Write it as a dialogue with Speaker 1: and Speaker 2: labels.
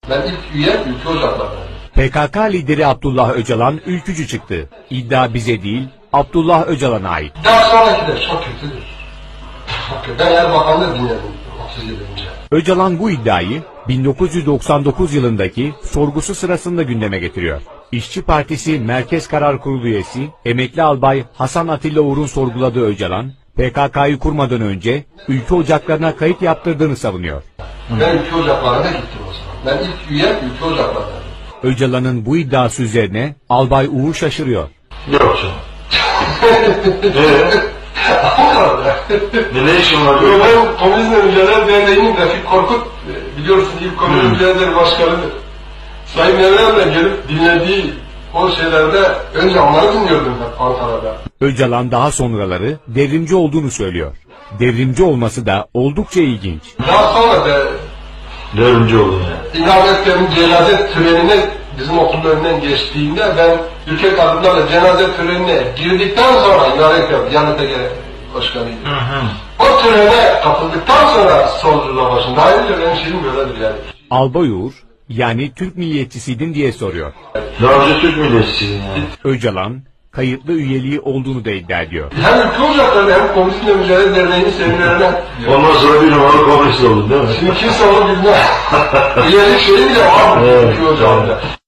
Speaker 1: Ben ilk üye Ülke Ocakları'ndan.
Speaker 2: PKK lideri Abdullah Öcalan ülkücü çıktı. İddia bize değil, Abdullah Öcalan'a ait.
Speaker 1: Daha sonrakiler çok kötüdür. Çok kötü. Ben Erbakan'ı dinledim 30 yıl önce.
Speaker 2: Öcalan bu iddiayı 1999 yılındaki sorgusu sırasında gündeme getiriyor. İşçi Partisi Merkez Karar Kurulu üyesi emekli albay Hasan Atilla Uğur'un sorguladığı Öcalan, PKK'yı kurmadan önce ülke ocaklarına kayıt yaptırdığını savunuyor.
Speaker 1: Ben Ülke Ocakları'na gittim o zaman. Ben ilk üye Ülke Ocakları'ndan.
Speaker 2: Öcalan'ın bu iddiası üzerine albay Uğur şaşırıyor.
Speaker 3: Yok canım. Ne işin var?
Speaker 1: Ben Komünizm Öncüler Derneği'nin Refik Korkut, biliyorsun ilk Komünizm Öncüler Derneği Başkanı'dır. Sayın Mevlam'la gelip dinlediği o şeylerde önce onları dinliyordum hep Ankara'da.
Speaker 2: Öcalan daha sonraları devrimci olduğunu söylüyor. Devrimci olması da oldukça ilginç.
Speaker 1: Daha sonra da
Speaker 3: Devrimci oldun ya.
Speaker 1: İlham Etker'in cenaze törenine bizim okulun önünden geçtiğinde ben ülke kadınlarla cenaze törenine girdikten sonra İlham Etker Diyanet Başkanı'ydı. O törene katıldıktan sonra solculuğa başladım. Daha önce benim şeyim böyledir yani.
Speaker 2: Albay Uğur, yani Türk milliyetçisiydin diye soruyor.
Speaker 3: Daha önce Türk milliyetçisiydin yani.
Speaker 2: Öcalan, kayıtlı üyeliği olduğunu da iddia ediyor.
Speaker 1: Hem ülke ocaklarını hem Komünizmle Mücadele Derneği'nin seminerine
Speaker 3: Ondan sonra bir numaralı komünist oldun değil mi?
Speaker 1: şimdi kimse onu bilmez. Üyelik şeyi bile var mı ülke ocağında?